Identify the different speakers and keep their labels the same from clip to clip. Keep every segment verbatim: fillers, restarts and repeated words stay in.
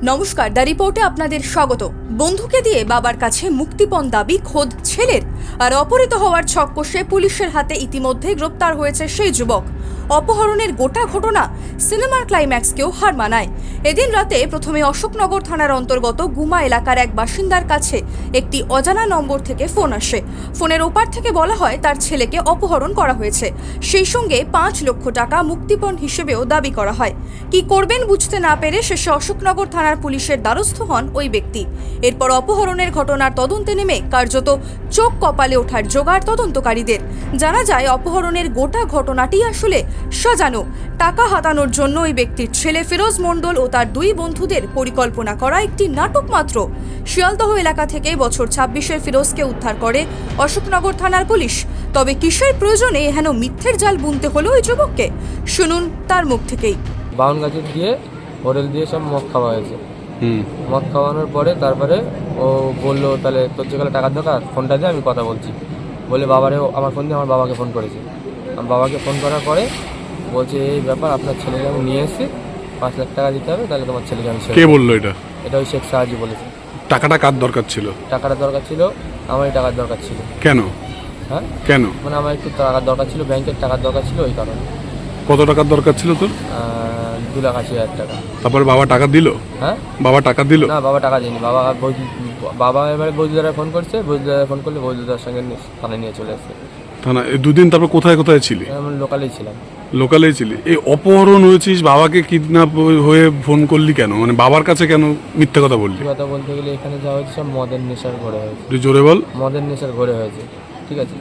Speaker 1: নমস্কার, দ্য রিপোর্টে আপনাদের স্বাগত। বন্ধুকে দিয়ে বাবার কাছে মুক্তিপণ দাবি খোদ ছেলের, আর অপহৃত হওয়ার ছক কষে পুলিশের হাতে ইতিমধ্যে গ্রেপ্তার হয়েছে সেই যুবক। অপহরণের গোটা ঘটনা সিনেমার ক্লাইম্যাক্সকেও হার মানায়। এদিন রাতে প্রথমে অশোকনগর থানার অন্তর্গত গুমা এলাকার এক বাসিন্দার কাছে একটি অজানা নম্বর থেকে ফোন আসে। ফোনের ওপার থেকে বলা হয় তার ছেলেকে অপহরণ করা হয়েছে, সেই সঙ্গে পাঁচ লক্ষ টাকা মুক্তিপণ হিসেবেও দাবি করা হয়। কি করবেন বুঝতে না পেরে শেষে অশোকনগর থানার পুলিশের দ্বারস্থ হন ওই ব্যক্তি। এরপর অপহরণের ঘটনার তদন্তে নেমে কার্যত চোখ কপালে ওঠার জোগাড় তদন্তকারীদের। জানা যায় অপহরণের গোটা ঘটনাটি আসলে সাজানো। টাকা হাতানোর জন্য ওই ব্যক্তির ছেলে ফিরোজ মণ্ডল ও তার দুই বন্ধুদের পরিকল্পনা করা একটি নাটক মাত্র। শিয়ালদহ এলাকা থেকে বছর ছাব্বিশের ফিরোজকে উদ্ধার করে অশোকনগর থানার পুলিশ। তবে কিসের প্রয়োজনে হেন মিথ্যের জাল বুনতে হলো ওই যুবককে, শুনুন তার মুখ থেকেই।
Speaker 2: বাউন গাছের দিয়ে হোটেল দিয়ে সব মদ খাওয়া হয়েছে। মদ খাওয়ানোর পরে তারপরে ও বললো তাহলে তোর যেখানে টাকার দরকার ফোনটা দিয়ে আমি কথা বলছি বলে বাবারেও আমার ফোন দিয়ে আমার বাবাকে ফোন করেছে। আমার বাবাকে ফোন করার পরে বলছে এই ব্যাপার, আপনার ছেলেকে আমি নিয়ে এসেছি, পাঁচ লাখ টাকা দিতে হবে, তাহলে তোমার ছেলেকে আমি।
Speaker 3: কে বললো এটা?
Speaker 2: এটা ওই শেখ সাহাজি বলেছে।
Speaker 3: টাকাটা কার দরকার ছিল? টাকাটা
Speaker 2: দরকার ছিল আমারই টাকার দরকার ছিল।
Speaker 3: কেন?
Speaker 2: হ্যাঁ কেন
Speaker 3: মানে
Speaker 2: আমার একটু টাকার দরকার ছিল, ব্যাংকের টাকার দরকার ছিল, ওই কারণে।
Speaker 3: কত টাকার দরকার ছিল তোর?
Speaker 2: দু লাখ আশি হাজার টাকা।
Speaker 3: তারপরে বাবা টাকা দিল?
Speaker 2: হ্যাঁ
Speaker 3: বাবা টাকা দিল
Speaker 2: না, বাবা টাকা দেয়নি। বাবা বাবা এবারে বৈদ্যুদারা ফোন করছে, বৈদ্যুদারা ফোন করলে বৈদ্যুদার সঙ্গে থানায় নিয়ে চলে আসছে।
Speaker 3: থানা দুদিন তারপর কোথায় কোথায় ছিলি?
Speaker 2: আমি লোকালেই ছিলাম।
Speaker 3: লোকালেই ছিলি? এই অপহরণ হয়েছিস, বাবাকে কিডন্যাপ হয়ে ফোন করলি কেন? মানে বাবার কাছে কেন মিথ্যে কথা বললি?
Speaker 2: কথা বলতে গেলে এখানে যা হয়েছে সব মদের নেশার ঘরে হয়েছে।
Speaker 3: তুই জোরে বল।
Speaker 2: মদের নেশার ঘরে হয়েছে, ঠিক আছে।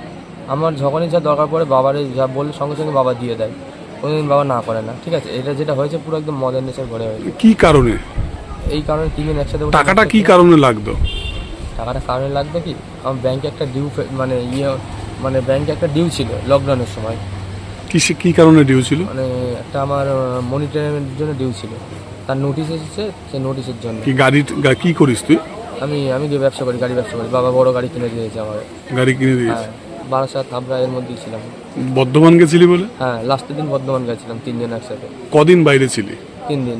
Speaker 2: আমার যখনই যা দরকার পড়ে বাবারে যা বললে সঙ্গে সঙ্গে বাবা দিয়ে দেয়, কোনোদিন বাবা না করে না, ঠিক আছে। এটা যেটা হয়েছে পুরো একদম মদের নেশার ঘরে হয়েছে।
Speaker 3: কি কারণে?
Speaker 2: এই কারণে তিনজন একসাথে।
Speaker 3: টাকাটা কি কারণে লাগতো?
Speaker 2: টাকাটা কারণে লাগবে কি, আমার ব্যাংকে একটা ডিউ মানে ইয়ে মানে ব্যাংকে একটা ডিউ ছিল লকডাউনের সময়।
Speaker 3: কিসে কি কারণে ডিউ ছিল? মানে
Speaker 2: একটা আমার মনিটরের জন্য ডিউ ছিল, তার নোটিশ এসেছে, সেই নোটিশের জন্য।
Speaker 3: কি গাড়ি কি করিস তুই?
Speaker 2: আমি আমি যে ব্যবসা করি, গাড়ি ব্যবসা করি। বাবা বড় গাড়ি কিনে দিয়েছে আমার।
Speaker 3: গাড়ি কিনে দিয়েছে?
Speaker 2: বারাসাত হাবড়া এর মধ্যেই ছিলাম।
Speaker 3: বর্ধমান গেছিলি বলে?
Speaker 2: হ্যাঁ, লাস্টের দিন বর্ধমান গেছিলাম, তিনজন একসাথে।
Speaker 3: কদিন বাইরে ছিলি?
Speaker 2: তিন দিন।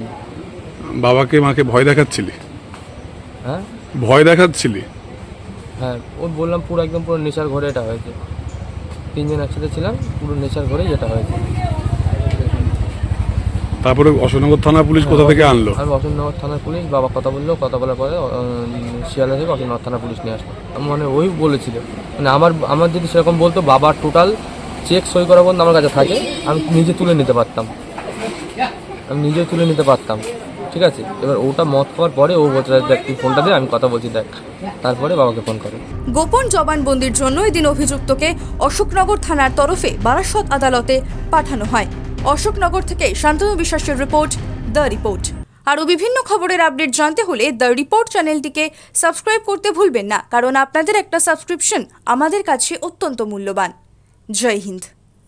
Speaker 3: বাবাকে মাকে ভয় দেখাচ্ছিলি?
Speaker 2: হ্যাঁ
Speaker 3: ভয় দেখাচ্ছিলি?
Speaker 2: হ্যাঁ, ও বললাম পুরো একদম পুরো নেশার ঘরে এটা হয়েছে। তিনজন একসাথে ছিলাম, পুরো নেশার ঘরেই এটা হয়েছে।
Speaker 3: তারপরে অশোকনগর থানার পুলিশ কোথা থেকে আনলো?
Speaker 2: আমি অশোকনগর থানার পুলিশ, বাবা কথা বললো, কথা বলার পরে শিয়ালদা থেকে অশোকনগর থানার পুলিশ নিয়ে আসলো। মানে ওই বলেছিল, মানে আমার আমার যদি সেরকম বলতো বাবার টোটাল চেক সই করা বন্ধ আমার কাছে থাকে, আমি নিজে তুলে নিতে পারতাম, আমি নিজে তুলে নিতে পারতাম, ঠিক আছে। এবার ওটা মদ খাওয়ার পরে ও বলছে দেখ তুই ফোনটা দিয়ে আমি কথা বলছি দেখ, তারপরে বাবাকে ফোন করে।
Speaker 1: গোপন জবানবন্দির জন্য এদিন অভিযুক্তকে অশোকনগর থানার তরফে বারাসত আদালতে পাঠানো হয়। অশোকনগর থেকে শান্তনু বিশ্বাসের রিপোর্ট, দ্য রিপোর্ট। আরও বিভিন্ন খবরের আপডেট জানতে হলে দ্য রিপোর্ট চ্যানেলটিকে সাবস্ক্রাইব করতে ভুলবেন না, কারণ আপনাদের একটা সাবস্ক্রিপশন আমাদের কাছে অত্যন্ত মূল্যবান। জয় হিন্দ।